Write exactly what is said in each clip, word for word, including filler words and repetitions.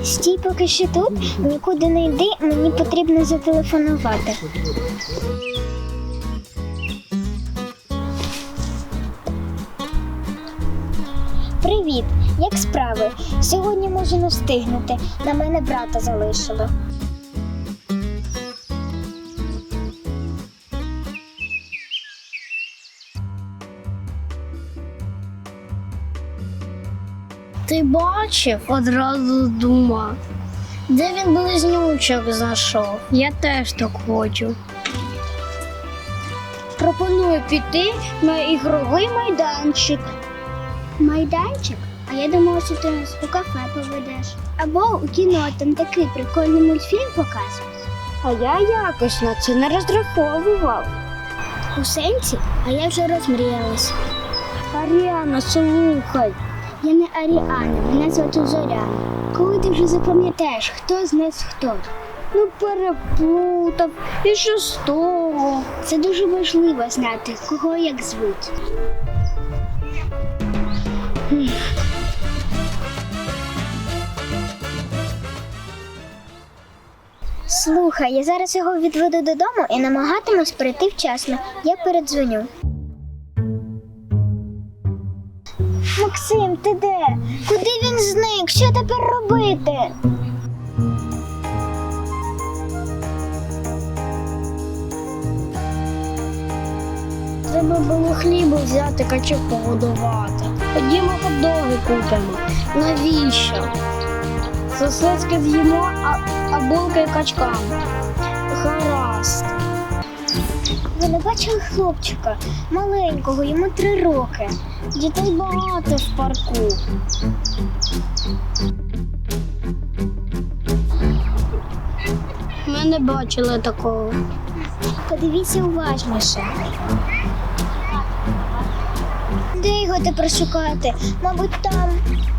Стій поки що тут, нікуди не йди, мені потрібно зателефонувати. Привіт, як справи? Сьогодні можу не встигнути, на мене брата залишили. Ти бачив? Одразу думав. Де він близнючок знайшов? Я теж так хочу. Пропоную піти на ігровий майданчик. Майданчик? А я думала, що ти нас у кафе поведеш. Або у кіно, там такий прикольний мультфільм показують. А я якось на це не розраховував. У сенсі? А я вже розмріялась. Аріана, слухай. Я не Аріана, мене звати Зоряна. Коли ти вже запам'ятаєш, хто з нас хто? Ну переплутав. І що з того? Це дуже важливо знати, кого як звуть. Слухай, я зараз його відведу додому і намагатимусь прийти вчасно. Я передзвоню. Максим, ти де? Куди він зник? Що тепер робити? Треба було хлібу взяти, качок погодувати. Ходімо хот-доги купимо. Навіщо? Сосиски з'їмо, а, а булки качкам. Гаразд. Ви не бачили хлопчика? Маленького, йому три роки. Дітей багато в парку. Ми не бачили такого. Подивіться уважніше. Де його тепер шукати? Мабуть, там.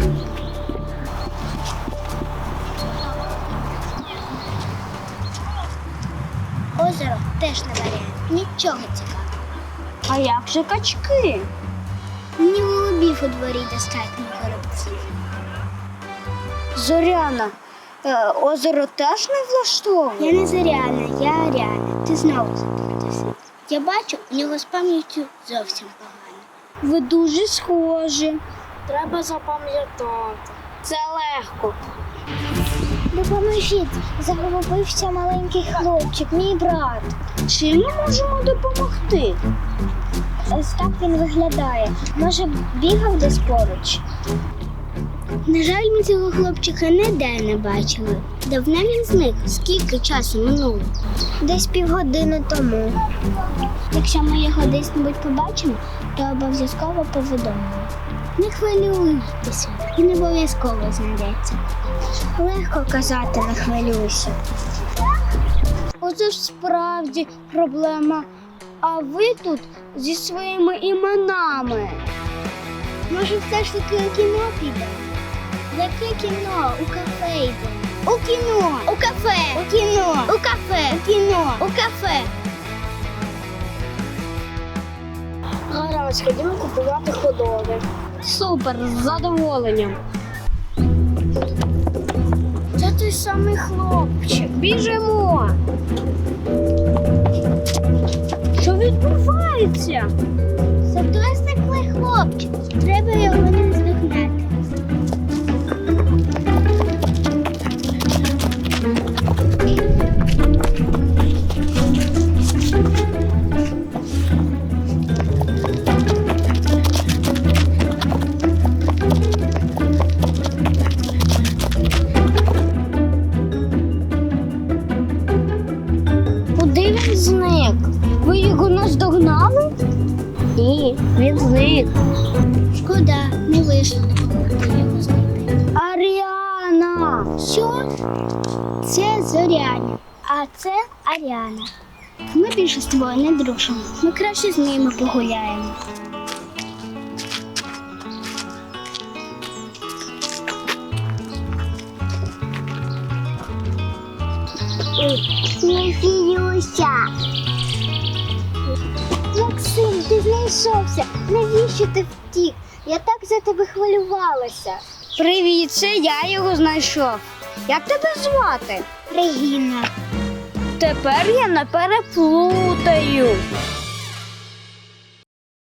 Озеро теж не варіант. Нічого цікавого. А як же качки? Мені голубів у дворі достатньо горобців. Зоряна, е, озеро теж не влаштовує? Я не Зоряна, я Аріана. Ти знову заплутався. Я бачу, у нього з пам'яттю зовсім погано. Ви дуже схожі. Треба запам'ятати. Це легко. Допоможіть, загубився маленький хлопчик, мій брат. Чим ми можемо допомогти? Ось так він виглядає. Може, бігав десь поруч? На жаль, ми цього хлопчика ніде не бачили. Давно він зник? Скільки часу минуло? Десь півгодини тому. Якщо ми його десь-небудь побачимо, то обов'язково повідомимо. Не хвилюйтеся, він обов'язково знайдеться. Легко казати, не хвилюйся. Оце ж справді проблема. А ви тут зі своїми іменами. Може, все ж таки у кіно підемо? Яке кіно? У кафе йдемо. У кіно! У кафе! У кіно! У кафе! У кіно! У кафе! Гаразд, ходімо купувати ходоги. Супер, з задоволенням. Це той самий хлопчик. Біжимо. Що відбувається? Це той зниклий хлопчик. Треба його не звикнути. Куди він зник? Ви його наздогнали? Ні, він зник. Шкода, не вийшло допомогти його знайти. Аріана! Що? Це Зоряня, а це Аріана. Ми більше з тобою не дружимо. Ми краще з ними погуляємо. Не сміюся. Максим, ти знайшовся. Навіщо ти втік? Я так за тебе хвилювалася. Привіт, це я його знайшов. Як тебе звати? Регіна. Тепер я не переплутаю.